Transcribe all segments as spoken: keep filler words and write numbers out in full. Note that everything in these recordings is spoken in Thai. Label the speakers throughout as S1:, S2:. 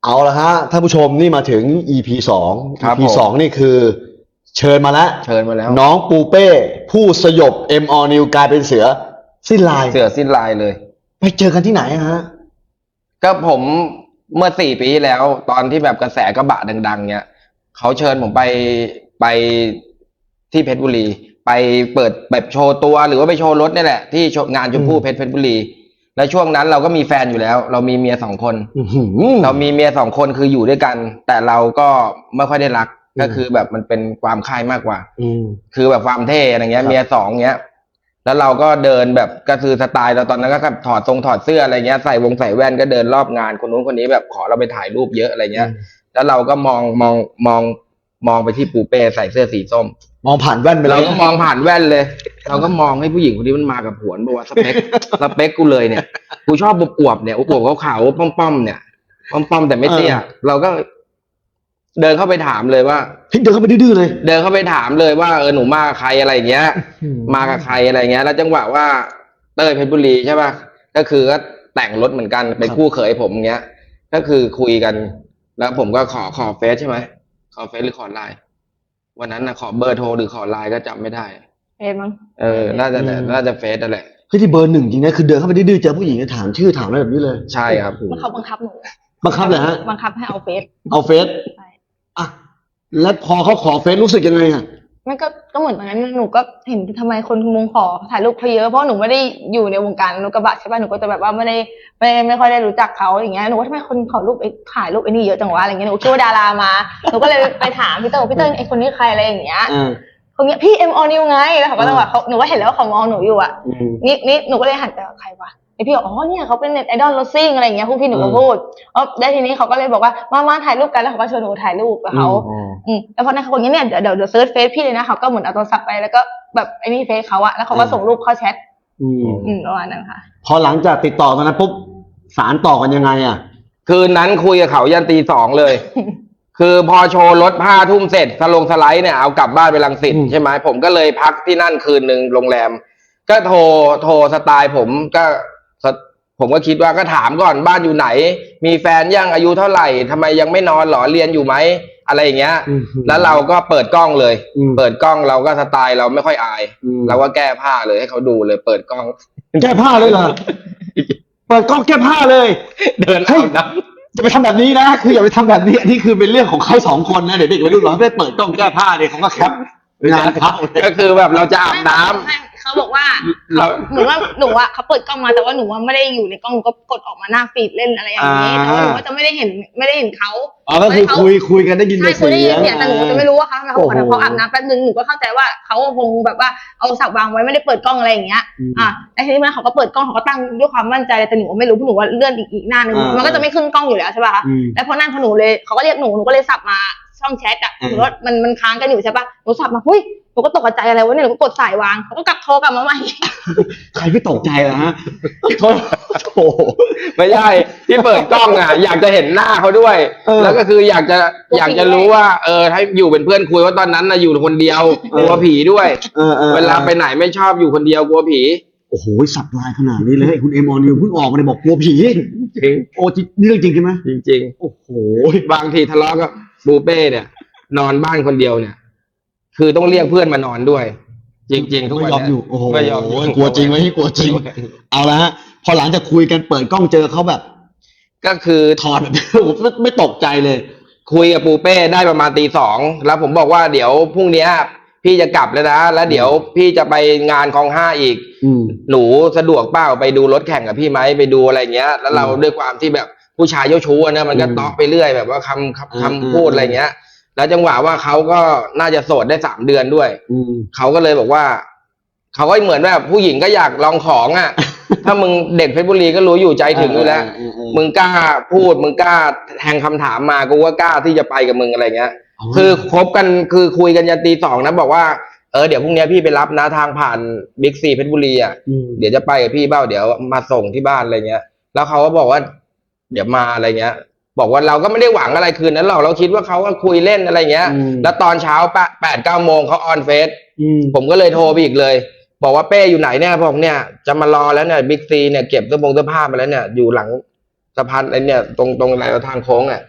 S1: เอาละฮะท่านผู้ชมนี่มาถึง อี พี สอง
S2: ครับ
S1: อี พี สองนี่คือเชิญมาแล้ว
S2: เชิญมาแล้ว
S1: น้องปูเป้ผู้สยบ M All New กลายเป็นเสือสิ้นลาย
S2: เสือสิ้นลายเลย
S1: ไปเจอกันที่ไหนฮะ
S2: ก็ผมเมื่อสี่ปีที่แล้ว ตอนที่แบบกระแสกระบะดังๆเนี่ยเขาเชิญผมไปไปที่เพชรบุรี ไปเปิดแบบโชว์ตัวหรือว่าไปโชว์รถนี่แหละที่โชว์งานชมพู่เพชรเพชรบุรี แล้วช่วงนั้นเราก็มีแฟนอยู่แล้ว เรามีเมียสองคน
S1: อื้อหือ
S2: เรามีเมียสองคนคืออยู่ด้วยกัน แต่เราก็ไม่ค่อยได้รัก
S1: อืม
S2: ก็คือแบบมันเป็นความค่ายมากกว่า
S1: อืม
S2: คือแบบความเท่อะไรเงี้
S1: ค
S2: ย
S1: รับ
S2: เมียสองเงี้ย แล้วเราก็เดินแบบก็คือสไตล์เราตอนนั้นก็แบบถอดทรงถอดเสื้ออะไรเงี้ยใส่วงใส่แว่นก็เดินรอบงานคนนู้นคนนี้แบบขอเราไปถ่ายรูปเยอะอะไรเงี้ย แล้วเราก็มองมองมองมองไปที่ปูเป้ใส่เสื้อสีส้ม
S1: มองผ่านแว่นไป
S2: เรา
S1: เลย
S2: ก็มองผ่านแว่นเลย เราก็มองให้ผู้หญิงคนนี้มันมากับผวนบอกว่าสเปค สเปคกูเลยเนี่ยกูชอบอวบๆเนี่ยอวบๆขาวๆป้อมๆเนี่ยป้อมๆแต่ไม่เตี้ยเราก็ เดินเข้าไปถามเลยว่า
S1: เฮ้ยเดินเข้าไปดื้อๆเลย
S2: เดินเข้าไปถามเลยว่าเออหนูมากับใครอะไรเงี้ย
S1: อืม
S2: มากับใครอะไรเงี้ย แล้วจังหวะว่าเต้ยเพชรบุรีใช่ป่ะก็คือก็แต่งรถเหมือนกันเป็นคู่เขยผมเงี้ย ก็คือคุยกัน แล้วผมก็ขอขอเฟซใช่ไหมขอเฟซหรือขอไลน์วันนั้นนะขอเบอร์โทรหรือขอไลน์ก็จำไม่ได้
S3: เฟซมั้ง
S2: เออ น่าจะน่าจะเฟซนั่นแหละ
S1: เฮ้ยที่เบอร์หนึ่งจริงนะคือเดินเข้าไปดื้อๆเจอผู้หญิงก็ถามชื่อถามอะไรแบบนี้เลย
S2: ใช่ครับ
S3: มันเขาบังคับหนู
S1: บังคับเลยฮะ
S3: บังคับให้เอาเฟซ
S1: เอาเฟซ
S3: ใช่
S1: อ่ะแล้วพอเขาขอเฟซรู้สึกยังไงอ่ะ
S3: มันก็ก็เหมือนตอนนั้นหนูก็เห็นทำไมคนมุงขอถ่ายรูปเขาเยอะเพราะหนูไม่ได้อยู่ในวงการรถกระบะใช่ป่ะหนูก็จะแบบว่าไม่ได้ไม่ไม่ค่อยได้รู้จักเขาอย่างเงี้ยหนูว่าทำไมคนขอรูปไอ้ถ่ายรูปไอ้นี่เยอะจังวะอะไรเงี้ยหนูคิดว่าดารามาหนูก็เลยไปถามพี่เต๋อพี่เต๋อไอ้คนนี้ใครอะไรอย่างเงี้ย
S1: อ่า
S3: คนเนี้ยพี่เอ็มออนิวไงแล้วเขาก็ต้องแบบเขาหนูก็เห็นแล้วว่าเขามองหนูอยู่อ่ะ
S1: อืม
S3: นี่นี่หนูก็เลยหันไปว่าใครวะไอพี่บอกอ๋อเนี่ยเขาเป็นเน็ตไอดอลรถซิ่งอะไรอย่างเงี้ยพวกพี่หนูก็
S1: อืม
S3: พูดอ๋อได้วทีนี้เขาก็เลยบอกว่ามามาถ่ายรูปกันแล้วเขาก็ชวนหนูถ่ายรูปกับเขา
S1: อืม
S3: อืมแล้วพอนั้นเขาบอกอย่างเงี้ยเดี๋ยวเดี๋ยวเดี๋ยวเซิร์ชเฟซพี่เลยนะเขาก็เหมือนเอาโทรศัพท์ไปแล้วก็แบบไอ้นี่เฟซเขาอะแล้วเขาก็
S1: อืม
S3: ส่งรูปเข้าแชท
S1: อืม
S3: อืมประมาณนั้นค่ะ
S1: พอหลังจากติดต่อตอนนั้นปุ๊บสารต่อกันยังไงอ่ะ
S2: คืนนั้นคุยกับเขายันตีสองเลย คือพอโชว์รถห้าทุ่มเสร็จสลงสไลด์เนี่ยเอากลับบ้านไปรังสิต
S1: อืม
S2: ใช่ไหมผมก็เลยพักที่นั่นคืนหนึ่งโรงแรม ก็โทรโทรสไตล์ผมก็สผมก็คิดว่าก็ถามก่อนบ้านอยู่ไหน มีแฟนยังอายุเท่าไหร่ทำไมยังไม่นอนหรอเรียนอยู่ไหมอะไรอย่างเงี้ย
S1: อืม
S2: แล้วเราก็เปิดกล้องเลย
S1: อืม
S2: เปิดกล้องเราก็สไตล์เราไม่ค่อยอาย
S1: อืม
S2: เราก็แก้ผ้าเลยให้เขาดูเลย เปิดกล้อง
S1: แก้ผ้าเลยเหรอ เปิดกล้องแก้ผ้าเลย
S2: เดิน
S1: เฮ้
S2: เอา
S1: ย
S2: น้
S1: จะไปทำแบบนี้นะ คืออย่าไปทำแบบนี้อันนี้คือเป็นเรื่องของเขาสองคนนะเด็กๆวัยรุ่นเราไม่ได้เปิดกล้องแก้ผ้าเนี่ยเขาก็แคปงานเขา
S2: ำก็คือแบบเราจะอาบน้ำ
S3: ไม่เขาบอกว่า
S2: เรา
S3: เหมือนว่าหนูอะเขาเปิดกล้องมาแต่ว่าหนูว่าไม่ได้อยู่ในกล้องหนูก็กดออกมาหน้าฟีดเล่นอะไรอย่างนี้
S1: อ่า
S3: แต่ว่าหนูก็จะไม่ได้เห็นไม่ได้เห็นเขา
S1: อ๋อก็คือคุยคุยกันได้ยิน
S3: ใช่
S1: แต่
S3: คุย
S1: เสี
S3: ได้ยิน
S1: ยง
S3: เสียงแต่หนูจะไม่รู้ว่าเขาเขาบอกว่าเขาอาบน้ำแป๊บนึงหนูก็เข้าใจว่าเขาคงแบบว่าเอาสับวางไว้ไม่ได้เปิดกล้องอะไรอย่างเงี้ย
S1: อืม
S3: อ่ะแล้วทีนี้มันเขาก็เปิดกล้องเขาก็ตั้งด้วยความมั่นใจแต่หนูไม่รู้เพราะหนูว่าเลื่อนอีกอีกหน้านึง
S1: อ่ามั
S3: มันก็จะไม่ขึ้นกล้องอยู่แล้วใช่ป่ะคะ
S1: อืม
S3: แล้วพอนั่นพอหนูเลยเขาก็เรียกหนูหนูก็เลยสับมาช่องแชทอ่ะ
S1: อืม
S3: หนูว่ามันมันค้างกันอยู่ใช่ป่ะหนูสับมาหุ้ยหนูก็ตกใจอะไรวะเนี่ยหนูก็กดสายวางเขาก็กลับโทรกลับมาใหม่
S1: ใครไม่ตกใจล่ะฮะโทษโถ
S2: ไม่ใช่ที่เปิดกล้องอ่ะ อยากจะเห็นหน้าเขาด้วย
S1: เออ
S2: แล้วก็คืออยากจะ
S3: กลัวผี
S2: อยากจะรู้ว่าเออถ้าอยู่เป็นเพื่อนคุยว่าตอนนั้นนะอยู่คนเดียวกลัวผีด้วย
S1: เออออ
S2: เวลาไปไหนไม่ชอบอยู่คนเดียวกลัวผี
S1: โอ้โหสับลายขนาดนี้เลยคุณเอมอนิวเพิ่งออกมาเลยบอกกลัวผี
S2: จริง
S1: โอ้จริงนี่เรื่องจริงใช่ไหม
S2: จริง
S1: โอ้โห
S2: ๆ บางทีทะเลาะกับบูเป้เนี่ย นอนบ้านคนเดียวเนี่ย คือต้องเรียกเพื่อนมานอนด้วย จริงๆทุก
S1: ไม่
S2: วัน
S1: ยอม
S2: เนี่
S1: อยู่โอ้โห
S2: ไม่ยอมอยู่
S1: กลัวจริงไหมกลัวจริง เอาละฮะพอหลังจากคุยกันเปิดกล้องเจอเขาแบบ
S2: ก็คือ
S1: ถอดแบบ ผมไม่ไม่ตกใจเลย
S2: คุยกับปูเป้ได้ประมาณตีสองแล้วผมบอกว่าเดี๋ยวพรุ่งเนี้ยพี่จะกลับแล้วนะแล้วเดี๋ยวพี่จะไปงานคลองห้าอีก
S1: อืม
S2: หนูสะดวกเปล่าไปดูรถแข่งกับพี่ไหมไปดูอะไรเงี้ย แล้วเรา
S1: อืม
S2: ด้วยความที่แบบผู้ชายเจ้าชู้อะนะมันก็
S1: อืม
S2: ตอกไปเรื่อยแบบว่าคำ
S1: อืม
S2: คำคำพูดอะไรเงี้ย แล้วจังหวะว่าเขาก็น่าจะโสดได้สามเดือนด้วย
S1: อืม
S2: เขาก็เลยบอกว่าเขาก็เหมือนแบบผู้หญิงก็อยากลองของ อ่ะ ถ้ามึงเด็กเพชรบุรีก็รู้อยู่ใจถึงอยู่แล้ว
S1: เออเออเออ
S2: มึงกล้าพูดมึงกล้าแทงคำถามมากูก็กล้าที่จะไปกับมึงอะไรเงี้ย
S1: อ๋อ
S2: คือคบกันคือคุยกันยันตีสองนะบอกว่าเออเดี๋ยวพรุ่งนี้พี่ไปรับนะทางผ่านบิ๊กซีเพชรบุรีอ่ะ
S1: อืม
S2: เดี๋ยวจะไปกับพี่เบ้าเดี๋ยวมาส่งที่บ้านอะไรเงี้ย แล้วเขาก็บอกว่า เดี๋ยวมาอะไรเงี้ย บอกว่าเราก็ไม่ได้หวังอะไรคืนนั้นหรอกเราคิดว่าเขาก็คุยเล่นอะไรเงี้ย
S1: อืม
S2: แล้วตอนเช้าแปดแปดเก้าโมงเขาออนเฟซ
S1: อืม
S2: ผมก็เลยโทรไปอีกเลย บอกว่าเป้อยู่ไหนเนี่ยบอกเนี่ยจะมารอแล้วเนี่ยบิ๊กซีเนี่ยเก็บเสื้อผงเสื้อผ้ามาแล้วเนี่ยอยู่หลังสะพานไอ้เนี่ยตรงตรงอะไรทางโค้งอ่ะ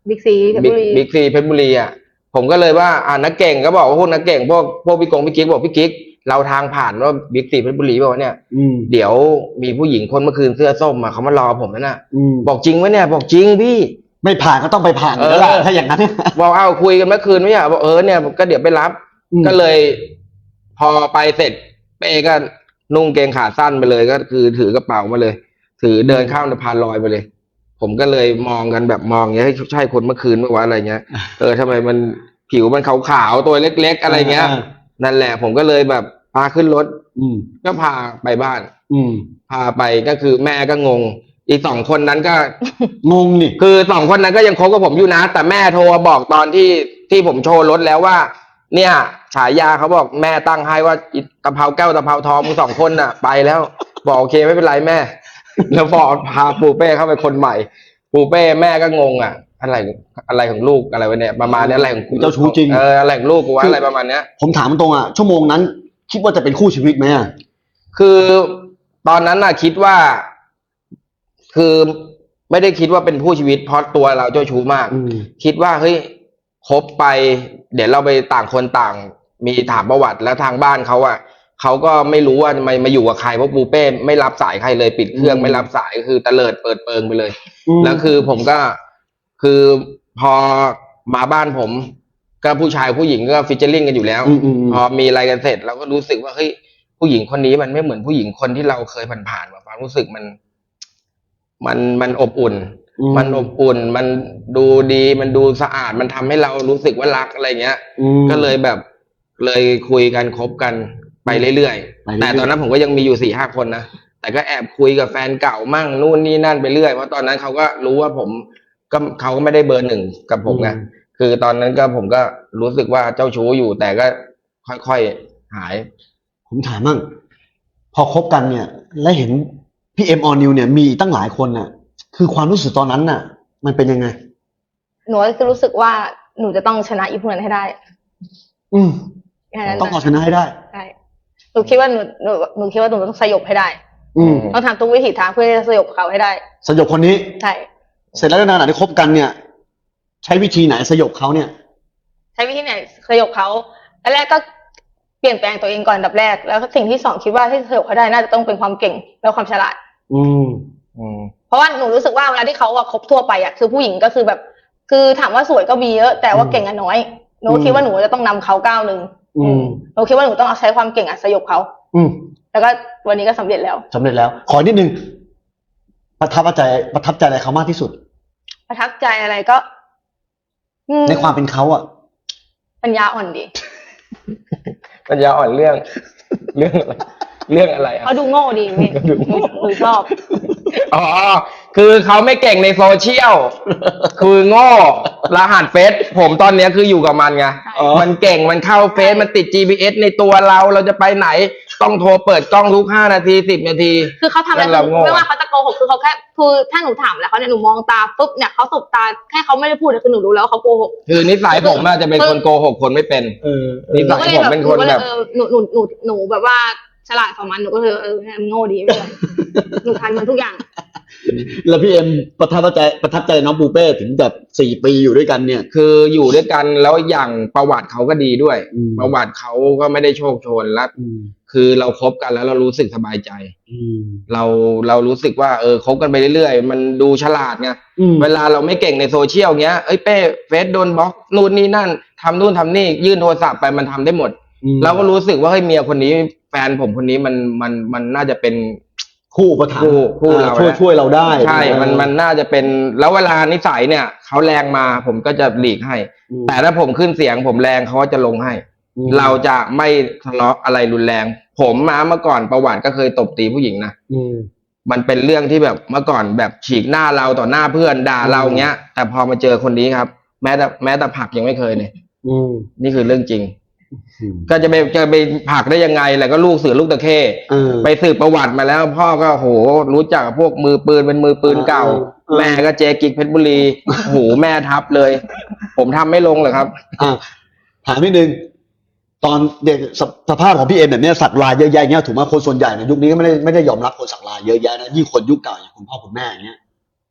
S3: บิ๊กซีเพชร
S2: บิ๊
S3: บุ
S2: ก
S3: รี
S2: บิ๊กซีเพชรบุรีอ่ะผมก็เลยว่าอ่านักเก่งก็บอกว่าพวกนักเก่งพวกพวกพี่กงพี่กิ๊กบอกพี่กิ๊กเราทางผ่านว่าบิ๊กซีเพชรบุรีบอกว่าเนี่ย
S1: อืม
S2: เดี๋ยวมีผู้หญิงคนเมื่อคืนเสื้อส้มมาเขามารอผมแล้วนะ
S1: อืม
S2: บอกจริงไหมเนี่ยบอกจริงพี่
S1: ไม่ผ่านก็ต้องไปผ่านอยู่แล้วล่ะ
S2: เออ
S1: ถ้าอย่างนั้น
S2: บอกเอาคุยกันเมื่อคืนไม่ใช่เหรอบอกเออเนี่ยก็เดี๋ยวไปรับ
S1: อืม
S2: ก็เลย พอไปเสร็จเป้ก็นุ่งเกงขาสั้นไปเลยก็คือถือกระเป๋ามาเลย ถือเดินข้ามสะพานลอยไปเลย ผมก็เลยมองกันแบบมองอย่างเงี้ยให้ใช่คนเมื่อคืนเมื่อวานอะไรเงี้ยเออทำไมมันผิวมันขาวๆตัวเล็กๆอะไรเงี้ย
S1: อ่า
S2: นั่นแหละ ผมก็เลยแบบพาขึ้นรถ
S1: อืม
S2: ก็พาไปบ้าน
S1: อืม
S2: พาไปก็คือแม่ก็งง อีกสองคนนั้นก็
S1: งงนี่
S2: คือสองคนนั้นก็ยังคบกับผมอยู่นะ แต่แม่โทรมาบอกตอนที่ที่ผมโชว์รถแล้วว่า เนี่ยฉายาเขาบอกแม่ตั้งให้ว่าอิตะเภาแก้วตะเภาทองมึงสองคนน่ะ ไปแล้ว บอกโอเคไม่เป็นไรแม่ แล้วบอกพาปูเป้เข้าไปคนใหม่ ปูเป้แม่ก็งงอ่ะ อะไรอะไรของลูกอะไรวะเนี่ยประมาณนี้อะไรของกู
S1: เจ้าชู้จริง
S2: เอออะไรของลูกกูว่าอะไรประมาณเนี้ย
S1: ผมถามตรงอ่ะชั่วโมงนั้น คิดว่าจะเป็นคู่ชีวิตไหมอ่ะ
S2: คือตอนนั้นน่ะคิดว่า คือไม่ได้คิดว่าเป็นผู้ชีวิตเพราะตัวเราเจ้าชู้มาก
S1: อืม
S2: คิดว่าเฮ้ยคบไป เดี๋ยวเราไปต่างคนต่าง มีถามประวัติแล้วทางบ้านเขาอ่ะเขาก็ไม่รู้ว่ามามาอยู่กับใครเพราะปูเป้ไม่รับสายใครเลยปิดเครื่อง
S1: อืม
S2: ไม่รับสายคือตะเลิดเปิดเปิงไปเลย
S1: อืม
S2: แล้วคือผมก็คือพอมาบ้านผม ก็ผู้ชายผู้หญิงก็ฟิชเชอร์ลิงกันอยู่แล้ว
S1: อืมอืมอืม
S2: พอมีอะไรกันเสร็จเราก็รู้สึกว่าเฮ้ยผู้หญิงคนนี้มันไม่เหมือนผู้หญิงคนที่เราเคยผ่านๆมาความรู้สึกมัน มันมันอบอุ่น
S1: อืม
S2: มันอบอุ่น มันดูดีมันดูสะอาดมันทำให้เรารู้สึกว่ารักอะไรเงี้ย
S1: อืม
S2: ก็เลยแบบเลยคุยกันคบกันไปเรื่อย
S1: ไปเรื่อยๆ
S2: ๆแต่ตอนนั้นผมก็ยังมีอยู่สี่ห้าคนนะแต่ก็แอบคุยกับแฟนเก่ามั่งนู่นนี่นั่นไปเรื่อยเพราะตอนนั้นเขาก็รู้ว่าผมก็เขาก็ไม่ได้เบอร์หนึ่งกับผมไง
S1: อืม
S2: คือตอนนั้นก็ผมก็รู้สึกว่าเจ้าชู้อยู่ แต่ก็ค่อยๆหาย
S1: ผมถามมั่งพอคบกันเนี่ย และเห็นพี่เอ็มออนิวเนี่ยมีตั้งหลายคนน่ะ คือความรู้สึกตอนนั้นน่ะ มันเป็นยังไง
S3: หนูก็คือรู้สึกว่าหนูจะต้องชนะอีพวกนั้นให้ได้
S1: อืม
S3: แค่นั้น
S1: ต้องเอาชนะให้ได้
S3: ใช่หนูคิดว่าหนูหนูหนูคิดว่าหนูต้องสยบให้ได้
S1: อืม
S3: ต้องทำทุกวิถีทางเพื่อที่จะสยบเขาให้ได้
S1: สยบคนนี้
S3: ใช่
S1: เสร็จแล้วนานๆที่คบกันเนี่ย ใช้วิธีไหนสยบเขาเนี่ย
S3: ใช้วิธีไหนสยบเขาแรกก็เปลี่ยนแปลงตัวเองก่อนอันดับแรก แล้วสิ่งที่สองคิดว่าที่สยบเขาได้น่าจะต้องเป็นความเก่งและความฉลาด
S1: อืม
S2: อืม
S3: เพราะว่าหนูรู้สึกว่าเวลาที่เขาอะคบทั่วไปอะคือผู้หญิงก็คือแบบ คือถามว่าสวยก็มีเยอะ แต่ว่าเก่งอะน้อยหนูคิดว่าหนูจะต้องนำเขาก้าวหนึ่ง
S1: อืม
S3: หนูคิดว่าหนูต้องเอาใช้ความเก่งอะสยบเขา
S1: อืม
S3: แล้วก็วันนี้ก็สำเร็จแล้ว
S1: สำเร็จแล้ว ขอนิดนึง ประทับใจประทับใจอะไรเขามากที่สุด
S3: ประทับใจอะไรก็ อืม
S1: ในความเป็นเขาอ่ะ
S3: ปัญญาอ่อนดี
S2: ปัญญาอ่อนเรื่อง เรื่องอะไรเรื่องอะไรอ่ะ
S3: เขาดูโง่ดีพี่หนูหนูชอบ
S2: อ๋อ คือเขาไม่เก่งในโซเชียล คือโง่รหัสเฟซผมตอนเนี้ยคืออยู่กับมันไง
S1: อ๋อ
S2: มันเก่งมันเข้าเฟซมันติด จี พี เอส ในตัวเราเราจะไปไหน ต้องโทรเปิดกล้องทุกห้านาทีสิบนาที
S3: คือเขาทำอะไร
S2: แล้วเราโง่
S3: ไม่ว่าเขาจะโกหกคือเขาแค่คือถ้าหนูถามแล้วเขาเนี่ยหนูมองตาปุ๊บเนี่ยเขาสบตาแค่เขาไม่ได้พูดเนี่ยคือหนูรู้แล้วว่าเขาโกหก
S2: คือนิสัยผมน่าจะเป็นคนโกหกคนไม่เป็น
S1: เออ
S2: นิสัย
S3: ก็เลยแบบ
S2: ผมเป็น
S3: หนู
S2: คน
S3: ก็เล
S2: แบ
S3: ย
S2: บ
S3: เออหนูหนูหนูหนูแบบว่าฉลาดกว่ามันหนูก็เลยเออมันโง่ดีไม่เป็นไรหนูทันมันทุกอย่าง
S1: แล้วพี่เอ็มประทับใจประทับใจน้องปูเป้ถึงแบบสี่ปีอยู่ด้วยกันเนี่ย
S2: คืออยู่ด้วยกันแล้วอย่างประวัติเขาก็ดีด้วย
S1: อืม
S2: ประวัติเขาก็ไม่ได้โชคโชนและ
S1: อืม
S2: คือเราคบกันแล้วเรารู้สึกสบายใจ
S1: อืม
S2: เราเรารู้สึกว่าเออคบกันไปเรื่อยๆ มันดูฉลาดไง
S1: อืม
S2: เวลาเราไม่เก่งในโซเชียลเงี้ยเอ้ยเป้เฟซโดนบล็อกนู่นนี่นั่นทำนู่นทำนี่ยื่นโทรศัพท์ไปมันทำได้หมด
S1: อืม
S2: เราก็รู้สึกว่าเฮ้ยเมียคนนี้แฟนผมคนนี้มันมันมันน่าจะเป็น
S1: คู่อุประถมภ์
S2: คู่คู่เรา
S1: ช่วย
S2: นะ
S1: ช่วยเราได้
S2: ใช่ มันมันน่าจะเป็นแล้วเวลานิสัยเนี่ยเขาแรงมาผมก็จะหลีกให้
S1: อืม
S2: แต่ถ้าผมขึ้นเสียงผมแรงเขาก็จะลงให้
S1: อืม
S2: เราจะไม่ทะเลาะอะไรรุนแรง ผมมาเมื่อก่อนประวัติก็เคยตบตีผู้หญิงนะ
S1: อืม
S2: มันเป็นเรื่องที่แบบเมื่อก่อนแบบฉีกหน้าเราต่อหน้าเพื่อนด่าเราเงี้ย แต่พอมาเจอคนนี้ครับ แม้แต่แม้แต่ผลักยังไม่เคยเลย
S1: อืม
S2: นี่คือเรื่องจริง
S1: อืม
S2: ก็จะไปจะไปผลักได้ยังไงแหละก็ลูกเสือลูกตะเข้
S1: เออ
S2: ไปสืบประวัติมาแล้ว พ่อก็โหรู้จักกับพวกมือปืนเป็นมือปืนเก่า
S1: เออเออ
S2: แม่ก็เจกิกเพชรบุรีโหแม่ทับเลย ผมทำไม่ลงเลยครับ
S1: อ่ะถามนิดนึง ตอนเด็กสสภาพของพี่เอ็มแบบเนี้ยสักลายเยอะแยะเงี้ยถูกไหมคนส่วนใหญ่ในยุคนี้ก็ไม่ได้ไม่ได้ยอมรับคนสักลายเยอะแยะนะยิ่งคนยุคเก่าอย่างคุณพ่อคุณแม่อย่างเงี้ยโก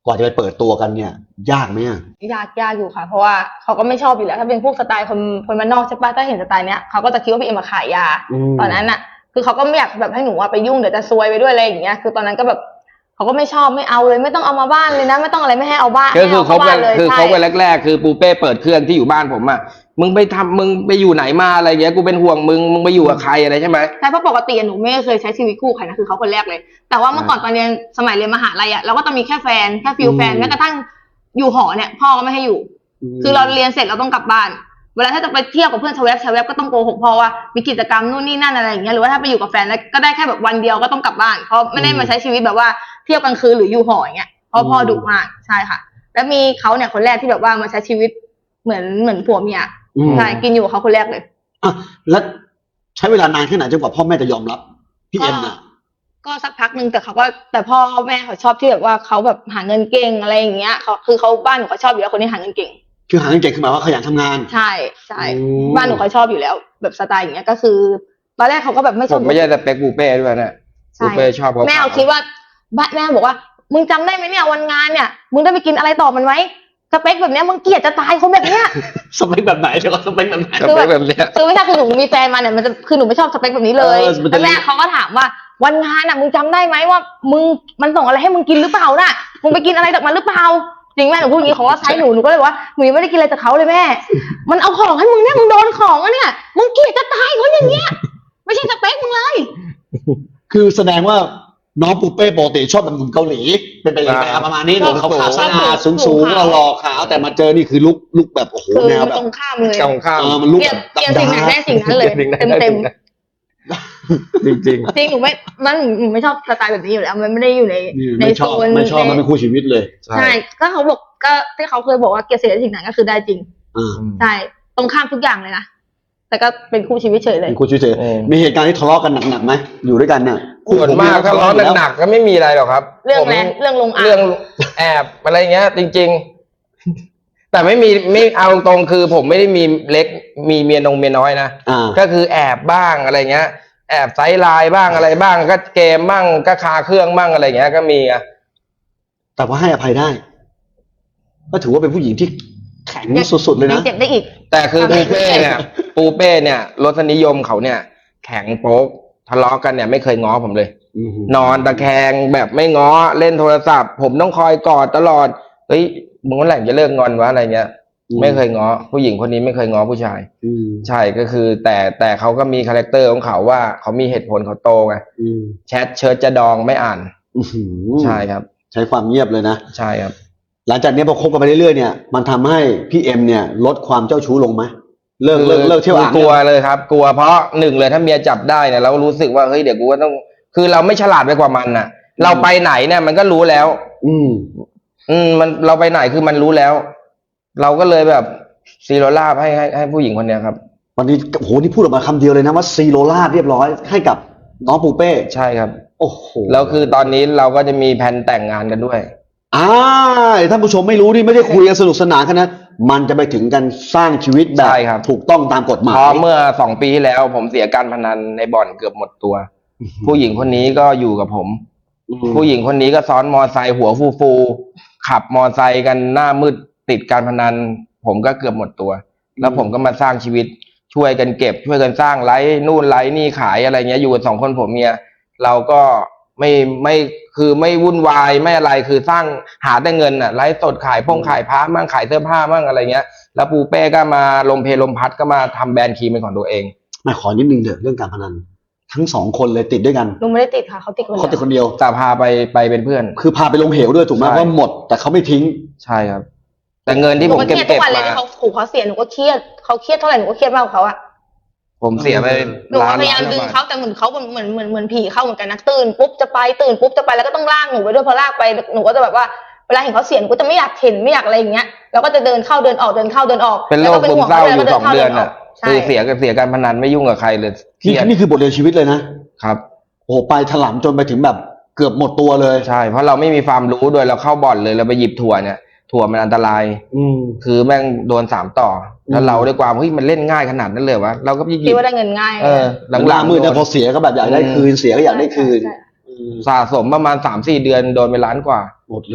S1: กว่าจะไปเปิดตัวกันเนี่ย ยากไหมอะ
S3: ยากยากอยู่ค่ะ เพราะว่าเขาก็ไม่ชอบอยู่แล้ว ถ้าเป็นพวกสไตล์คนคนบ้านนอกใช่ปะถ้าเห็นสไตล์เนี้ยเขาก็จะคิดว่าพี่เอ็มมาขายยา ตอนนั้นน่ะ คือเขาก็ไม่อยากแบบให้หนูว่าไปยุ่งเดี๋ยวจะซวยไปด้วยอะไรอย่างเงี้ยคือตอนนั้นก็แบบเขาก็ไม่ชอบไม่เอาเลยไม่ต้องเอามาบ้านเลยนะไม่ต้องอะไรไม่ให้เอาบ้าน
S2: ก็คือคบกัน
S3: เลย
S2: คือ
S3: ใช่
S2: คบกันแรกๆคือปูเป้เปิดเครื่องที่อยู่บ้านผมอ่ะมึงไปทำมึงไปอยู่ไหนมาอะไรเงี้ยกูเป็นห่วงมึงมึงไปอยู่กับใครอะไรใช่ไหม
S3: ใช่เพราะปกติหนูไม่เคยใช้ชีวิตคู่ใครนะคือเขาคนแรกเลย แต่ว่าเมื่อก่อนตอนเรียนสมัยเรียนมหาลัยอ่ะเราก็ต้องมีแค่แฟนแค่ฟิลแฟนแม้กระทั่งอยู่หอเนี่ยพ่อก็ไม่ให้อยู่ คือเราเรียนเสร็จเราต้องกลับบ้านเวลาถ้าจะไปเที่ยวกับเพื่อนชาวแวบชาวแวบก็ต้องโกหกพ่อว่ามีกิจกรรมนู่นนี่นั่นอะไรอย่างเงี้ยหรือว่าถ้าไปอยู่กับแฟนแล้วก็ได้แค่แบบวันเดียวก็ต้องกลับบ้านเพราะไม่ได้มาใช้ชีวิตแบบว่าเที่ยวกลางคืนหรืออยู่หออย่างเงี้ยเพราะพ่อดุมากใช่ค่ะ แล้วมีเขาเนี่ยคนแรกที่แบบว่ามาใช้ชีวิตเหมือนเหมือนผัวเมียใช่กินอยู่กับเขาคนแรกเลย
S1: อ่ะแล้วใช้เวลานานแค่ไหนจนกว่าพ่อแม่จะยอมรับพี่เอ็มอ่ะ
S3: ก็สักพักหนึ่งแต่เขาก็แต่พ่อแม่เขาชอบที่แบบว่าเขาแบบหาเงินเก่งอะไรอย่างเงี้ยเขาคือเขาบ้านหนูเขาชอบอยู่แล้วคนที่หาเงินเก่ง
S1: คือหาเงินเก่งคือหมายว่าขยันทำงาน
S3: ใช่ใช่
S1: อืม
S3: บ้านหนูเขาชอบอยู่แล้ว แบบสไตล์อย่างเงี้ยก็คือตอนแรกเขาก็แบบไม่ช
S2: ผ
S3: อบ
S2: มไม่ใช่สเปคปูเป้ด้วยนะ
S3: ใช่
S2: ปูเป้ชอบเขา
S3: แม่เขาคิดว่าบ้านแม่บอกว่ามึงจำได้ไหมเนี่ยวันงานเนี่ยมึงได้ไปกินอะไรต่อมันไหมสเปคแบบเนี้ยมึงเกลียดจะตายคนแบบเนี้ย
S1: สเปคแบบไหนเดี๋ยวก่อนสเปคแบบไหน
S2: สเปคแบบเนี้ย
S3: คือไม่ใช่คือหนูมีแฟนมาเนี่ยมันจะคือหนูไม่ชอบสเปคแบบนี้เลย
S1: เออมันจะ
S3: แล้วแม่เขาก็ถามว่าวันงานอ่ะมึงจำได้ไหมว่ามึงมันส่งอะไรให้มึงกินหรือเปล่าน่ะมึงไปกินอะไรจากมันหรือเปล่าจริงแม่หนูพูดอย่างนี้เขาก็ใช้หนูหนูก็เลยบอกว่าหนูยังไม่ได้กินอะไรจากเขาเลยแม่ มันเอาของให้มึงเนี่ยมึงโดนของอะเนี่ยมึงเกลียดจะตายคนอย่างเงี้ยไม่ใช่สเปคมึงเลย
S1: คือแสดงว่าน้องปูเป้ปกติชอบแบบหนุ่มเกาหลี เป็นไปเลย
S2: อ่า
S1: แบบประมาณนี้ห
S3: ก็
S1: นุ่มขาวๆสะอาด
S3: สู
S1: สู
S3: ง
S1: ง
S3: ๆ
S1: ๆหล่อๆขาวแต่มาเจอนี่คือลุกลุกแบบโอ้โห
S3: คือ
S1: แนว
S3: มัน
S1: แบ
S3: ต
S1: บ
S3: รงข้ามเลย
S2: ตรงข้าม
S1: เออมันลุก
S3: เกลีย
S1: แบ
S3: ด
S1: บ
S3: เกลียดสิ่งไหนได้สิ่งนั้นเลย
S2: สิ่งไหน
S3: เต็ม
S2: ได้
S3: เต็ม
S2: สิ่งนั้น จริง
S3: จริงหนูไม่มันหนูไม่ชอบสไตล์แบบนี้อยู่แล้วมันไม่ได้อยู่ใน
S1: นี่
S3: ใน
S1: ไม่ช
S3: โซ
S1: อบ
S3: น
S1: ไม่ชอบ
S3: ใน
S1: มันเป็นคู่ชีวิตเลย
S2: ๆ
S3: ใช่ก็เขาบอกก็ที่เขาเคยบอกว่าเกลียดสิ่งใดสิ่งนั้นก็คือได้จริง
S1: อ่า
S3: ใช่ตรงข้ามทุกอย่างเลยนะแต่ก็เป็นคู่ชีวิตเฉยเลย
S1: เป็นคู่ชีวิตเฉย
S2: เออ
S1: มีเหตุการณ์ที่ทะเลาะกันหนักๆไหมอยู่ด้วยกันเนี่ย
S2: ส่วนมากถ้าร้อนหนักๆก็ไม่มีอะไรหรอกครับ
S3: เรื่อง
S2: ผม
S3: แรกเรื่องลงอ่าง
S2: เรื่องแอบอะไรเงี้ย จริง ๆ แต่ไม่มีไม่เอาตรงๆคือ ผมไม่ได้มีเล็กมีเมียนงเมียน้อยนะ
S1: อ่า
S2: ก็คือแอบบ้างอะไรเงี้ย แอบไซด์ไลน์บ้างอะไรบ้าง ก็เกมบ้างก็คาเครื่องบ้างอะไรเงี้ยก็มีอะ
S1: แต่ว่าให้อภัยได้ ก็ถือว่าเป็นผู้หญิงที่แข็งสุดๆเลย
S3: ยั
S1: นะ
S3: งเจ็บได้อีก
S2: แต่คือปูเป้เนี่ย ปูเป้เนี่ยรสนิยมเขาเนี่ย แข็งโป๊กทะเลาะกันเนี่ยไม่เคยง้อผมเลย
S1: อืม
S2: นอนตะแคงแบบไม่ง้อเล่นโทรศัพท์ ผมต้องคอยกอดตลอดเฮ้ยมึงเมื่อไหร่จะเลิกงอนวะอะไรเงี้ย ไม่เคยง้อผู้หญิงคนนี้ไม่เคยง้อผู้ชาย
S1: อืม
S2: ใช่ก็คือ แต่แต่เขาก็มีคาแรคเตอร์ของเขาว่าเขามีเหตุผลเขาโตไง
S1: อืม
S2: แชทเชิดจะดองไม่อ่าน
S1: อื้อหือ
S2: ใช่ครับ
S1: ใช้ความเงียบเลยนะ
S2: ใช่ครับ
S1: หลังจากนี้พอคบกันไปเรื่อยๆเนี่ยมันทำให้พี่เอ็มเนี่ยลดความเจ้าชู้ลงไหมเลิกเลิกเลิกเที่ยวอ่าง
S2: กลัวเลยครับ กลัวเพราะหนึ่งเลยถ้าเมียจับได้เนี่ยเรารู้สึกว่าเฮ้ยเดี๋ยวกูก็ต้อง คือเราไม่ฉลาดไปกว่ามันน่ะ เราไปไหนเนี่ยมันก็รู้แล้ว
S1: อืม
S2: อืมมันเราไปไหนคือมันรู้แล้ว เราก็เลยแบบซีโรลาบให้ให้ให้ผู้หญิงคนเนี้ยครับ
S1: วันนี้โอ้โหนี่พูดออกมาคำเดียวเลยนะว่าซีโรลาดเรียบร้อยให้กับน้องปูเป้
S2: ใช่ครับ
S1: โอ้โห
S2: แล้วคือตอนนี้เราก็จะมีแผนแต่งงานกันด้วย
S1: อ่าท่านผู้ชมไม่รู้นี่ไม่ได้คุยกันสนุกสนานกันนะมันจะไปถึงกันสร้างชีวิตแบบ
S2: ใช่ครับ
S1: ถูกต้องตามกฎหมาย
S2: เพราะเมื่อสองปีที่แล้ว ผมเสียการพนันในบ่อนเกือบหมดตัว ผู้หญิงคนนี้ก็อยู่กับผม
S1: อืม
S2: ผู้หญิงคนนี้ก็ซ้อนมอไซค์หัวฟูฟูๆขับมอไซค์กันหน้ามืดติดการพนัน ผมก็เกือบหมดตัว แล้วผมก็มาสร้างชีวิตช่วยกันเก็บ ช่วยกันสร้างไลฟ์นู่นไลฟ์นี่ขายอะไรเงี้ยอยู่กันสองคนผมเมียเราก็ไม่ไม่คือไม่วุ่นวายไม่อะไรคือสร้างหาแต่เงินอ่ะไลฟ์สดขายพงขายผ้ามั่งขายเสื้อผ้ามั่งอะไรเงี้ย แล้วปูเป้ก็มาลมเพลลมพัดก็มาทำแบรนด์ครีมเป็นของตัวเอง
S1: มาขอนิดนึงเถอะเรื่องการพนัน ทั้งสองคนเลยติดด้วยกัน
S3: หนูไม่ได้ติดค่ะเขาติดคน
S1: เขา
S3: เดี
S1: ติด
S3: ยว
S1: คนเดียว
S2: แต่พาไปไปเป็นเพื่อน
S1: คือพาไปลงเหวด้วยถูกไหม
S2: ใช่
S1: ว่าหมด แต่เขาไม่ทิ้ง
S2: ใช่ครับ แต่เงินที่
S3: ห
S2: ผ
S3: นู
S2: ม
S3: ก็เค
S2: เก็บ
S3: รียดทุ
S2: เก็
S3: ก
S2: บ
S3: วันเลย
S2: มา
S3: ที่เขาขู่เขาเสียหนูก็เครียดเขาเครียดเท่าไหร่หนูก็เครียดมากกว่าเขาอะ
S2: ผมเสียไป
S3: หนู
S2: ล้า
S3: ก็
S2: น
S3: พยายาม
S2: ล้าน
S3: ดึง
S2: บาท
S3: เขาแต่เหมือนเขาเหมือนเหมือนเหมือนผีเข้าเหมือนกันนะตื่นปุ๊บจะไปตื่นปุ๊บจะไปแล้วก็ต้องลากหนูไปด้วยพอลากไปหนูก็จะแบบว่าเวลาเห็นเขาเสียหนูก็จะไม่อยากเห็นไม่อยากอะไรอย่างเงี้ยแล้วก็จะเดินเข้าเดินออกเดินเข้าเดินออก
S2: เป็นโรคซึมเศร้าอยู่สองเดือน
S3: อ่ะ
S2: อ่ะคือเสียกับเสียการพนันไม่ยุ่งกับใครเลยเครี
S1: นี่
S2: ยด
S1: นี่คือบทเรียนชีวิตเลยนะครับ โอ้โหไปถลำจนไปถึงแบบเกือบหมดตัวเลย
S2: ใช่เพราะเราไม่มีความรู้ด้วยเราเข้าบ่อนเลยเราไปหยิบถั่วเนี่ยถั่วมันอันตราย
S1: อืม
S2: คือแม่งโดนสามต่ออ
S1: ม
S2: แล้วเราด้วยความเฮ้ยมันเล่นง่ายขนาดนั้นเลยวะเราก็หยิ
S3: คิด
S2: บ
S3: ว่าได้เงินง่าย
S2: เออ
S1: หลัง
S2: หลัง
S1: มืด
S2: ๆ
S1: เนี่ย
S2: โด
S1: พอน เสียก็แบบอยากได้คืนเสียก็อยากได้คืน
S3: ใช่
S1: อืม
S2: สะสมประมาณสามสี่เดือนโดนไปล้านกว่า
S1: หมดเลย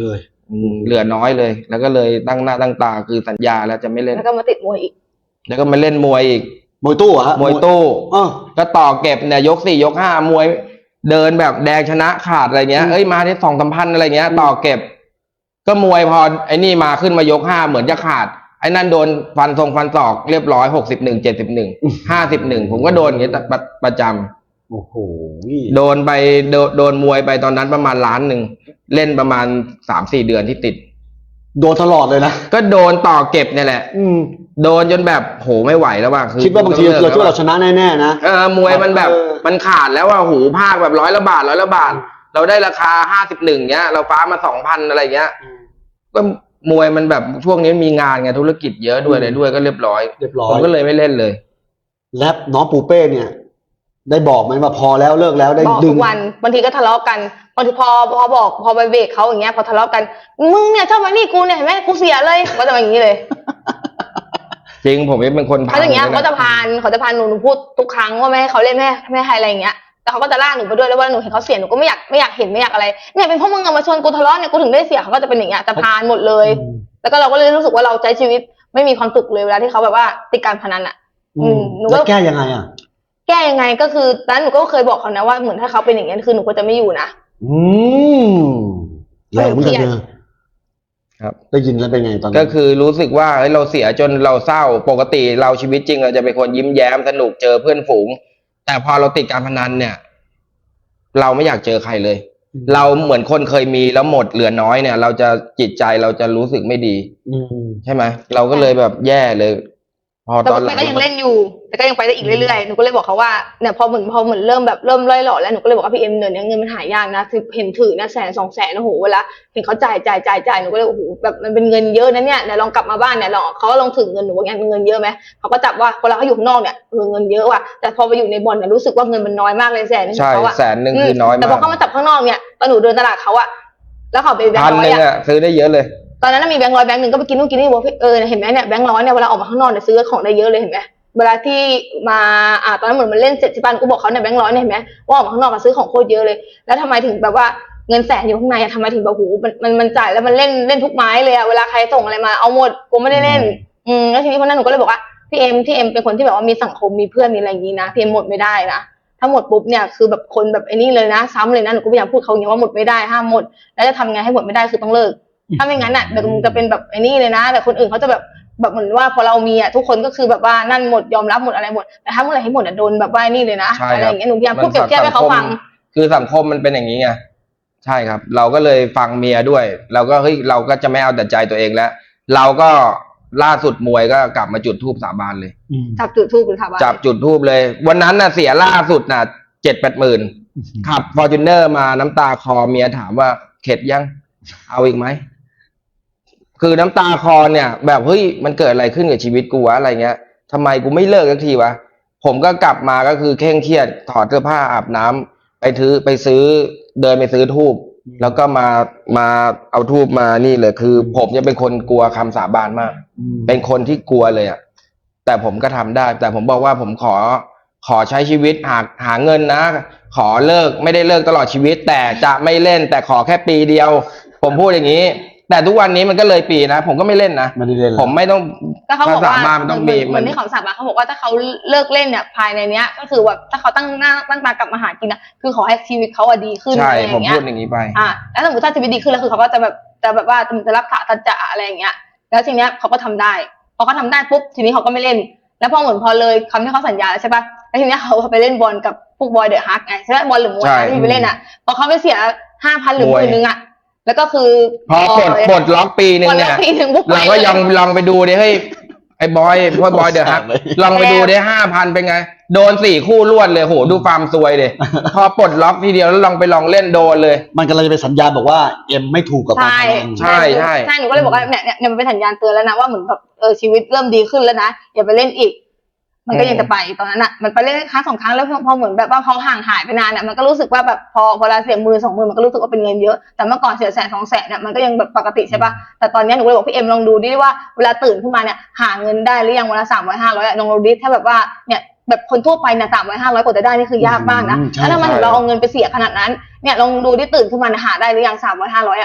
S2: อืมเหลือน้อยเลย แล้วก็เลยตั้งหน้าตั้งตาคือสัญญาแล้วจะไม่เล่น
S3: แล้วก็มาติดมวยอีก
S2: แล้วก็มาเล่นมวยอีก
S1: มวยตู้เหรอฮะ
S2: มวยตู้
S1: อ้อ
S2: ก็ต่อเก็บเนี่ยยกสี่ยกห้ามวย เดินแบบแดงชนะขาดอะไรเงี้ย
S1: อืม
S2: เอ้ยมาที่สองสามพันอะไรเงี้ย ต่อเก็บ ก็มวยพอไอ้นี่มาขึ้นมายกห้าเหมือนจะขาดไอ้นั่นโดนฟันทรงฟันศอกเรียบร้อยหกสิบหนึ่งเจ็ดสิบหนึ่งห้าสิบหนึ่งผมก็โดนอย่างเงี้ยประประจำ
S1: โอ้โห
S2: โดนไปโดนโดนมวยไปตอนนั้นประมาณล้านหนึ่งเล่นประมาณสามสี่เดือนที่ติด
S1: โดนตลอดเลยนะ
S2: ก็โดนต่อเก็บเนี่ยแหละ
S1: อืม
S2: โดนจนแบบโหไม่ไหวแล้วว่ะคือ
S1: คิดว่าบางที
S2: ต้อง
S1: เรา
S2: ลิก
S1: คิดว่า
S2: แล้
S1: เราชนะแน่ๆนะ
S2: เออมวยมันแบบ
S1: เออ
S2: มันขาดแล้วว่าหูภาคแบบร้อยละบาทร้อยละบาท เราได้ราคาห้าสิบหนึ่งเงี้ย เราฟ้ามาสองพันอะไรเงี้ย ก็มวยมันแบบช่วงนี้มีงานไงธุรกิจเยอะด้วยอะไรด้วยก็เรียบร้อย
S1: เรียบร้อ
S2: ผม
S1: ย
S2: ก็เลยไม่เล่นเลย
S1: และน้องปูเป้เนี่ย ได้บอกไหมว่าพอแล้วเลิกแล้วได้
S3: บอก
S1: ดึ
S3: ทุ
S1: ง
S3: กวันบางทีก็ทะเลาะกันบางทีพอพอบอกพอไปเบรกเขาอย่างเงี้ยพอทะเลาะกันมึงเนี่ยชอบมานี่กูเนี่ยเห็นไหมกูเสียเลยก็จะมาอย่างนี้เลย
S2: จริงผมเป็นคนพา
S3: เขาอย่างเงี้ย
S2: ล
S3: เขาจะพานเขาจะพานหนูหนูพูดทุกครั้งว่าไม่ให้เขาเล่นไม่ให้ไม่ให้อะไรอย่างเงี้ยแต่เขาก็จะลากหนูไปด้วยแล้วเวลาหนูเห็นเขาเสียหนูก็ไม่อยากไม่อยากเห็นไม่อยากอะไรเนี่ยเป็นเพราะมึงเอามาชวนกูทะเลาะเนี่ยกูถึงได้เสียเขาก็จะเป็นอย่างเงี้ยจะพานหมดเลย
S1: อืม
S3: แล้วก็เราก็เลยรู้สึกว่าเราใช้ชีวิตไม่มีความสุขเลยเวลาที่เขาแบบว่าติดการพนันอ่ะ อืมหนู
S1: แล้ว
S3: ก็
S1: แก้ยังไงอ่ะ
S3: แก้ยังไงก็คือตอนนั้นหนูก็เคยบอกเขานะว่าเหมือนถ้าเขาเป็นอย่างเงี้ยคือหนูก็จะไม่อยู่นะ
S1: อืมแรงเหมือนกันเนอะ
S2: ครับ
S1: ได้ยินแล้วเป็นไงตอนนั้น
S2: ก็คือรู้สึกว่าเฮ้ยเราเสียจนเราเศร้าปกติเราชีวิตจริงเราจะเป็นคนยิ้มแย้มสนุกเจอเพื่อนฝูง แต่พอเราติดการพนันเนี่ย เราไม่อยากเจอใครเลย เราเหมือนคนเคยมีแล้วหมดเหลือน้อยเนี่ย เราจะจิตใจเราจะรู้สึกไม่ดี
S1: อืม
S2: ใช่ไหมเราก็เลยแบบแย่เลย พอ
S3: แต่
S2: ตอนหลั
S3: แต่
S2: ง
S3: ก็ยังเล่นอยู่ แต่ก็ยังไปได้อีกเรื่อยๆหนูก็เลยบอกเขาว่าเนี่ยพอเหมือนพอเหมือนเริ่มแบบเริ่มล่อยหล่อแล้วหนูก็เลยบอกว่าพี่เอ็มเดี๋ยวนี้เงินมันหายากนะคือเห็นถือนะแสนสองแสนโอ้โหเวลาเห็นเขาจ่ายจ่ายจ่ายจ่ายหนูก็เลยโอ้โหแบบมันเป็นเงินเยอะนะเนี่ยเดี๋ยวลองกลับมาบ้านเนี่ยลองเขาก็ลองถึงเงินหนูว่าเงี้ยเงินเยอะไหมเขาก็จับว่าเวลาเขาอยู่ข้างนอกเนี่ยเออเงินเยอะว่ะแต่พอไปอยู่ในบ่อนเนี่ยรู้สึกว่าเงินมันน้อยมากเลยแสนนึง
S2: ใช่
S3: เขาอะ
S2: แสนหนึ่งคือน้อย
S3: แต่
S2: มา
S3: พอก เขามาจับข้างนอกเนี่ยตอนหนูเดินตลาดเขาอะแล้วเขาไปแบง
S2: พัน
S3: ค์ร้อ
S2: ห
S3: ย
S2: นึ่ง
S3: อะ
S2: อ่ะซื้อได้เยอะเลย
S3: ตอนนั้นนะมีแบงค์ร้อยแบงค์หนึ่งก็ไปกินนู่นกินนี่บอกเออเห็นไหมเนี่ยแบงค์ร้อยเนี่ยเวลาออกมาข้างนอกเนี่ยซื้อของได้เยอะเลยเห็นไหมเวลาที่มาอ่าตอนนั้นเหมือนมันเล่นเสร็จที่บ้านกูบอกเขาเนี่ยแบงค์ร้อยเนี่ยเห็นไหมว่าออกมาข้างนอกก็ซื้อของโคตรเยอะเลยแล้วทำไมถึงแบบว่าเงินแสนอยู่ข้างในอะทำไมถึงแบบโหมันมันมันจ่ายแล้วมันเล่นเล่นทุกไม้เลยอะเวลาใครส่งอะไรมาเอาหมดกูไม่ได้เล่นอืมแล้วทีนี้คนนั้นหนูก็เลยบอกว่าพี่เอ็มที่เอ็มเป็นคนที่แบบว่ามีสังคมมีเพื่อนมีอะไรอย่างนี้นะพี่เอ็มหมดไม่ได้นะถ้าหมดปุ๊บเนี่ยคือแบบคนแบบไอ้นี่เลยนะซ้ำเลยนะหนูก็พยายามพูดเขาอย่างนี้ว่าหมดไม่ได้ห้ามหมดแล้วจะทำไงให้หมดไม่ได้คือต้องเลิก ถ้าไม่งั้นอ่ะเดี๋ยวมึงจะเป็นแบบไอ้นี่เลยนะแต่คนอื่นเขาจะแบบแบบเหมือนว่าพอเรามีอ่ะทุกคนก็คือแบบว่านั่นหมดยอมรับหมดอะไรหมดแต่ถ้าเมื่อไหร่ให้หมดอ่ะโดนแบบว่านี่เลยนะ
S2: ใช่
S3: อะไร
S2: ค
S3: อ
S2: รับ
S3: ย่างเงี้ยหนูพยายามพูดเปรียบเทียบให้เขาฟัง
S2: คือสังคมมันเป็นอย่างนี้ไงใช่ครับ เราก็เลยฟังเมียด้วย เราก็เฮ้ยเราก็จะไม่เอาแต่ใจตัวเองแล้ว เราก็ล่าสุดมวยก็กลับมาจุดธูปสาบานเลย
S1: อืม
S3: จับจุดทูบหรือถามว่า
S2: จับจุดธูปเลย วันนั้นน่ะเสียล่าสุดน่ะเจ็ดแปดหมื่นขับฟอร์จูเนอร์มาน้ำตาคอเมียถามว่าเข็ดยัง เอาอีกไหม คือน้ำตาคอเนี่ย แบบเฮ้ยมันเกิดอะไรขึ้นกับชีวิตกูวะอะไรเงี้ยทำไมกูไม่เลิกสักทีวะผมก็กลับมาก็คือเคร่งเครียดถอดเสื้อผ้าอาบน้ำไปถือไปซื้อเดินไปซื้อธูปแล้วก็มามาเอาธูปมานี่เลยคือ ผมจะเป็นคนกลัวคำสาบานมาก
S1: อืม
S2: เป็นคนที่กลัวเลยอ่ะแต่ผมก็ทำได้ แต่ผมบอกว่าผมขอขอใช้ชีวิตหาหาเงินนะ ขอเลิกไม่ได้เลิกตลอดชีวิต แต่จะไม่เล่น แต่ขอแค่ปีเดียว ผมพูดอย่างนี้ แต่ทุกวันนี้มันก็เลยปีนะผมก็ไม่เล่นนะ
S1: ไม่ได้เล่นแล้ว
S2: ผมไม่ต้อง
S3: ก็เขาบอกว่า
S2: ภษบ้นมันต้องมี
S3: เหมือนที่เขาสาบานเขาบอกว่าถ้าเขาเลิกเล่นเนี่ยภายในเนี้ย ก็คือแบบถ้าเขาตั้งหน้าตั้งตากลับมาหากินอ่ะคือขอให้ชีวิตเขาอะดีขึ้น
S2: ใช่
S3: อะไรอ
S2: ผม
S3: ย่างเงี้
S2: พู
S3: ย
S2: ดอย่างนี้ไป
S3: อ่าแล้วสมมติถ้าชีวิตดีขึ้นแล้วคือเขาก็จะแบบจะแบบว่าจะรักษาตัจจะอะไรอย่างเงี้ย แล้วทีเนี้ยเขาก็ทำได้พอเขาทำได้ปุ๊บทีนี้เขาก็ไม่เล่น แล้วพอเหมือนพอเลยคำที่เขาสัญญาใช่ปะแล้วทีเนี้ยเขาไปเล่นบอลกับพวกบอยเดอะฮักไงใช่ไหมบอลหรือมวย
S2: ใช่
S3: นะที่ไปเล่นอ่ะพอเขาไปเสียห้าพันหรือห
S2: มวย
S3: มื่นนึงอ่ะแล้วก็คือ
S2: พอปลดปลดล็อกปีหนึ่ง
S3: ปลด
S2: เนี่
S3: ล็อย กปีหนึ่งปุ๊บ
S2: เราก็ยังลองไปดูดิเฮ้ยไอ้บอยพ่อบอยเดอะฮัก
S1: เลย
S2: ลองไปดูดิห้าพันเป็นไง โดนสี่คู่รวดเลยโหดูฟาร์มซวยเลย พอปลดล็อกทีเดียวแล้วลองไปลองเล่นโดนเลย
S1: มันกำลังจะเป็นสัญญาณบอกว่าเอ็มไม่ถูกกับการ
S3: ใช่
S1: พนัน
S2: ใช่ใช่
S3: ใช่หนูก็เลยบอกว่าเนี่ยเนี่ยเนี่ยมันเป็นสัญญาณเตือนแล้วนะว่าเหมือนแบบเออชีวิตเริ่มดีขึ้นแล้วนะอย่าไปเล่นอีก มันก็ยังจะไปตอนนั้นอ่ะมันไปเล่นครั้งสองครั้งแล้วพอพอเหมือนแบบว่าพอห่างหายไปนานอ่ะมันก็รู้สึกว่าแบบพอพอเราเสียหมื่นสองหมื่นมันก็รู้สึกว่าเป็นเงินเยอะแต่เมื่อก่อนเสียแสนสองแสนเนี่ยมันก็ยังแบบปกติใช่ป่ะแต่ตอนนี้หนูก็เลยบอกพี่เอ็มลองดูดิว่าเวลาตื่นขึ้นมาเนี่ยหาเงินได้หรือยังวันละสามร้อยห้าร้อยลองดูดิถ้าแบบว่าเนี่ยแบบคนทั่วไปเนี่ยสามร้อยห้าร้อยกว่าจะได้นี่คือยากมากนะ
S1: อืมใช่
S3: แล้วทำไมถึง
S2: ใช่
S3: เราเอาเงินไปเสียขนาดนั้นเนี่ยลองดูที่ตื่นขึ้นมาหาได้หรือยังสามร้อยห้าร้อยอ่ะ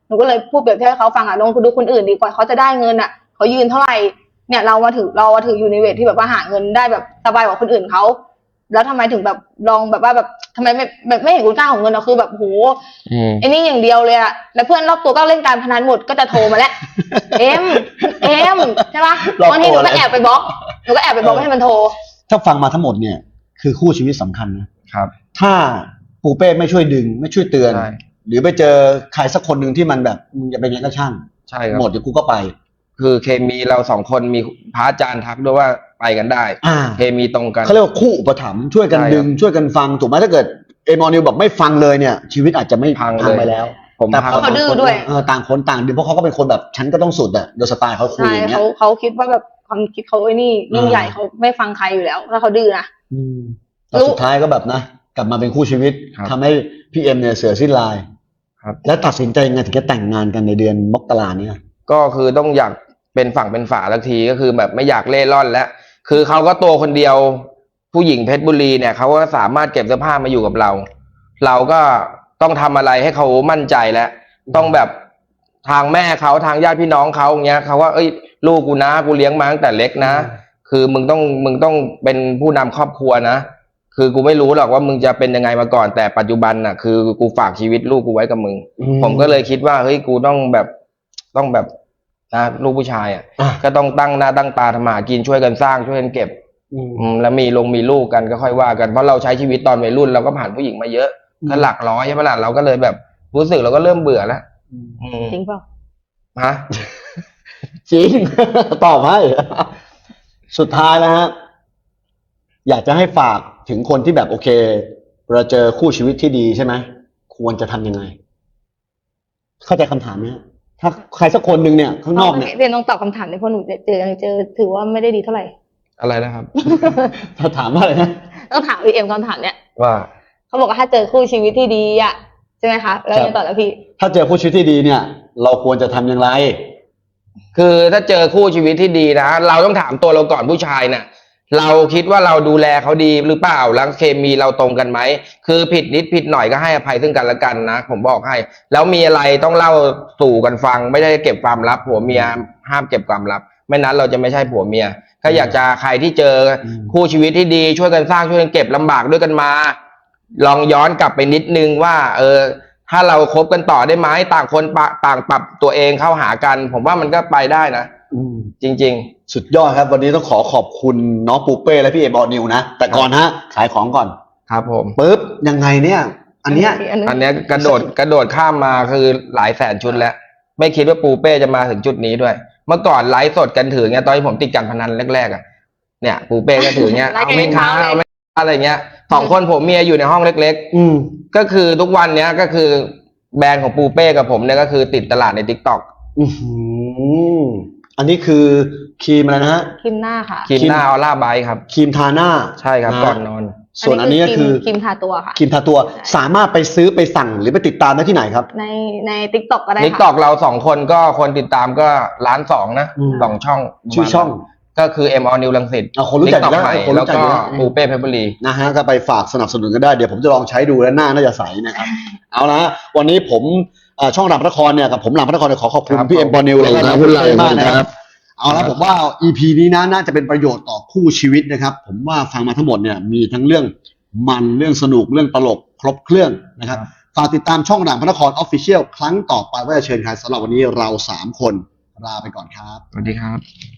S3: หนูก็เลยพูดเปรียบเทียบให้เขาฟังอ่ะลองดูคนอื่นดีกว่าเขาจะได้เงินอ่ะเขายืนเท่าไหร่เนี่ยเรามาถือเรามาถืออยู่ในเวทที่แบบว่าหาเงินได้แบบสบายกว่าคนอื่นเขาแล้วทำไมถึงแบบลองแบบว่าแบบทำไมไม่แบบไม่เห็นคุณค่าของเงินเราคือแบบโหไอ้นี่อย่างเดียวเลยอะแล้วเพื่อนรอบตัวก็เล่นการพนันหมดก็จะโทรมาแล้ว เอ็มเอ็มใช่ปะบางทีหนูก็แอบไปบล็อกหนูก็แอบไปบล็อกให้มันโทร
S1: ถ้าฟังมาทั้งหมดเนี่ยคือคู่ชีวิตสำคัญนะครับ ถ้าปูเป้ไม่ช่วยดึงไม่ช่วยเตือน
S2: ใช่
S1: หรือไปเจอใครสักคนหนึ่งที่มันแบบมึงอย่าเป็นยังไงก็ช่าง
S2: ใช่ครับ
S1: หมดเดี๋ยวกูก็ไป
S2: คือเคมีเราสองคนมีพระอาจารย์ทักด้วยว่าไปกันได้
S1: อ่า
S2: เคมีตรงกัน
S1: เขาเรียกว่าคู่อุปถัมภ์ช่วยกัน
S2: ใช่ครับ
S1: ดึงช่วยกันฟังถูกไหมถ้าเกิดเอมอนิวแบบไม่ฟังเลยเนี่ย ชีวิตอาจจะไม่
S2: พัง
S1: พัง
S2: เลย
S1: ไปแล้ว
S2: ผม
S1: แต่
S2: พัง
S1: พอ
S3: เขาดื้อ
S1: ต่างคน
S3: ด้วย
S1: เออต่างคนต่างดึงเพราะเขาก็เป็นคนแบบฉันก็ต้องสุดอะโดยสไตล์เขาคุย
S3: ใช่
S1: อย่างเงี้ย
S3: เขาเขาคิดว่าแบบความคิดเขาไอ้นี่ยิ่ง
S1: อ่า
S3: ใหญ่เขาไม่ฟังใครอยู่แล้วถ้าเขาดื้อนะ
S1: อืมแต่สุดท้ายก็แบบนะ กลับมาเป็นคู่ชีวิต
S2: ครับ
S1: ทำให้พี่เอ็มเนี่ยเสือสิ้นลาย
S2: ครับ
S1: แล้วตัดสินใจยังไงถึงจะแต่งงานกันในเดือนมกราเนี่ย
S2: ก็คือต้องอยากเป็นฝั่งเป็นฝาสักทีก็คือแบบไม่อยากเล่ร่อนแล้วคือเขาก็ตัวคนเดียวผู้หญิงเพชรบุรีเนี่ยเขาก็สามารถเก็บเสื้อผ้ามาอยู่กับเรา เราก็ต้องทำอะไรให้เขามั่นใจแล้วต้องแบบทางแม่เขาทางญาติพี่น้องเขาอย่างเงี้ยเขาว่าเอ้ยลูกกูนะกูเลี้ยงมาตั้งแต่เล็กนะ คือมึงต้องมึงต้องเป็นผู้นำครอบครัวนะคือกูไม่รู้หรอกว่ามึงจะเป็นยังไงมาก่อนแต่ปัจจุบันน่ะคือกูฝากชีวิตลูกกูไว้กับมึง
S1: อืม
S2: ผมก็เลยคิดว่าเฮ้ยกูต้องแบบต้องแบบนะลูกผู้ชายอ่ะ
S1: อ่ะ
S2: ก็ต้องตั้งหน้าตั้งตาทำมาหากินช่วยกันสร้างช่วยกันเก็บ
S1: อืม
S2: อืมแล้วมีลงมีลูกกันก็ค่อยว่ากันเพราะเราใช้ชีวิตตอนวัยรุ่นเราก็ผ่านผู้หญิงมาเยอะ
S1: อืม
S2: ก็หลักร้อยใช่ไหมล่ะเราก็เลยแบบรู้สึกเราก็เริ่มเบื่อแล้วอืม
S3: จริงเปล่า
S2: ฮะ
S1: จริง ตอบให้สุดท้ายแล้วฮะอยากจะให้ฝากถึงคนที่แบบโอเคเราเจอคู่ชีวิตที่ดีใช่ไหมควรจะทำยังไง เข้าใจคำถามไหมฮะถ้าใครสักคนหนึ่งเนี่ยข้างนอกเนี่ย
S3: เรียนต้องตอบคำถามในเพราะหนูเจอยังเจอถือว่าไม่ได้ดีเท่าไหร่
S2: อะไรนะครับ
S1: ถ้าถามว่าอะไรนะ
S3: ต้องถามพี่เอ็มคำถามเนี้ย
S2: ว่า
S3: เขาบอกว่าถ้าเจอคู่ชีวิตที่ดีอ่ะใช่ไหมคะแล้วยังต่อแล้วพี่
S1: ถ้าเจอคู่ชีวิตที่ดีเนี่ย เราควรจะทำอย่างไร
S2: คือถ้าเจอคู่ชีวิตที่ดีนะเราต้องถามตัวเราก่อนผู้ชายน่ะ เราคิดว่าเราดูแลเขาดีหรือเปล่าแล้วเคมีเราตรงกันไหมคือผิดนิดผิดหน่อยก็ให้อภัยซึ่งกันและกันนะผมบอกให้ แล้วมีอะไรต้องเล่าสู่กันฟัง ไม่ได้เก็บความลับผัวเมียห้ามเก็บความลับ ไม่นั้นเราจะไม่ใช่ผัวเมียก็อยากจะใครที่เจออ
S1: ม
S2: คู่ชีวิตที่ดีช่วยกันสร้างช่วยกันเก็บลำบากด้วยกันมา ลองย้อนกลับไปนิดนึงว่า เออ ถ้าเราคบกันต่อได้ไหมต่างคนปะต่างปรับตัวเองเข้าหากัน ผมว่ามันก็ไปได้นะ
S1: อืม
S2: จริง
S1: สุดยอดครับ วันนี้ต้องขอขอบคุณน้องปูเป้และพี่เอบอนิวนะ แต่ก่อนฮะ ขายของก่อน
S2: ๆ ครับผม
S1: ปุ๊บยังไงเนี่ย อันเนี้ย
S3: อันนี้
S2: อันเนี้ยกระโดดกระโดดข้ามมาคือหลายแสนชุดแล้ว ไม่คิดว่าปูเป้จะมาถึงจุดนี้ด้วย เมื่อก่อนไลฟ์สดกันถือเงี้ยตอนที่ผมติดการพนันแรกๆอ่ะเนี่ยปูเป้ก็ถือเงี้ย
S3: ไลฟ์
S2: เอา
S3: กัน
S2: ไม่ค้า
S3: เช้าเลย
S2: เอาไม่ค้าอะไรเงี้ยสองคนผมเมียอยู่ในห้องเล็ก
S1: อืม
S2: ๆ ก็คือทุกวันเนี้ยก็คือแบรนด์ของปูเป้กับผมเนี่ยก็คือติดตลาดใน ทิกตอก
S1: อือหืออันนี้คือครีมอะไรนะฮะ
S3: ครีมหน้าค่ะ
S2: ครีมหน้าออร่าไบท์ครับ
S1: ครีมทาหน้า
S2: ใช่ครับ
S1: ะ
S2: ก่อนนอน
S1: ส่วนอันนี้ก็คือ
S3: ครีมทาตัวค่ะ
S1: ครีมทาตัวสามารถไปซื้อไปสั่งหรือไปติดตามได้ที่ไหนครับ
S3: ในในติ๊กต็อกก็ได้
S2: ทิก
S3: ค่ะ
S2: ตอกเราสองคนก็คนติดตามก็ล้านสองนะ
S1: อืม
S2: สองช่อง
S1: ชื่อช่อง
S2: ก็คือ M All New รังสิต
S1: อ่ะคนรู้จักอยู่แล้ว
S2: ใหม่
S1: คนรู้
S2: แล้ว
S1: จัก
S2: ก็
S1: อยู่แล้ว
S2: ปูเป้เพชรบุรี
S1: นะฮะก็ไปฝากสนับสนุนกันได้เดี๋ยวผมจะลองใช้ดูแล้วหน้าน่าจะใสนะครับ เอาละวันนี้ผมเอ่อช่องรามพระนครเนี่ยกับผมรามพระนครเนี่ยขอขอบคุณ
S2: ครับ
S1: พี่เอ็มบอนิว
S2: ข
S1: แล้
S2: อบ
S1: ว
S2: คุ
S1: ก็
S2: ณ
S1: น้อง
S2: ครับ
S1: คุณไลมากนะค
S2: ครั
S1: รับ
S2: บ
S1: เอาละผมว่า อี พี นี้นะน่าจะเป็นประโยชน์ต่อคู่ชีวิตนะครับ ผมว่าฟังมาทั้งหมดเนี่ยมีทั้งเรื่องมันเรื่องสนุกเรื่องตลกครบเครื่องนะครับฝากติดตามช่องรามพระนครออฟฟิเชียลครั้งต่อไปว่าจะเชิญใครสำหรับวันนี้เราสามคนลาไปก่อนครับ
S2: สวัสดีครับ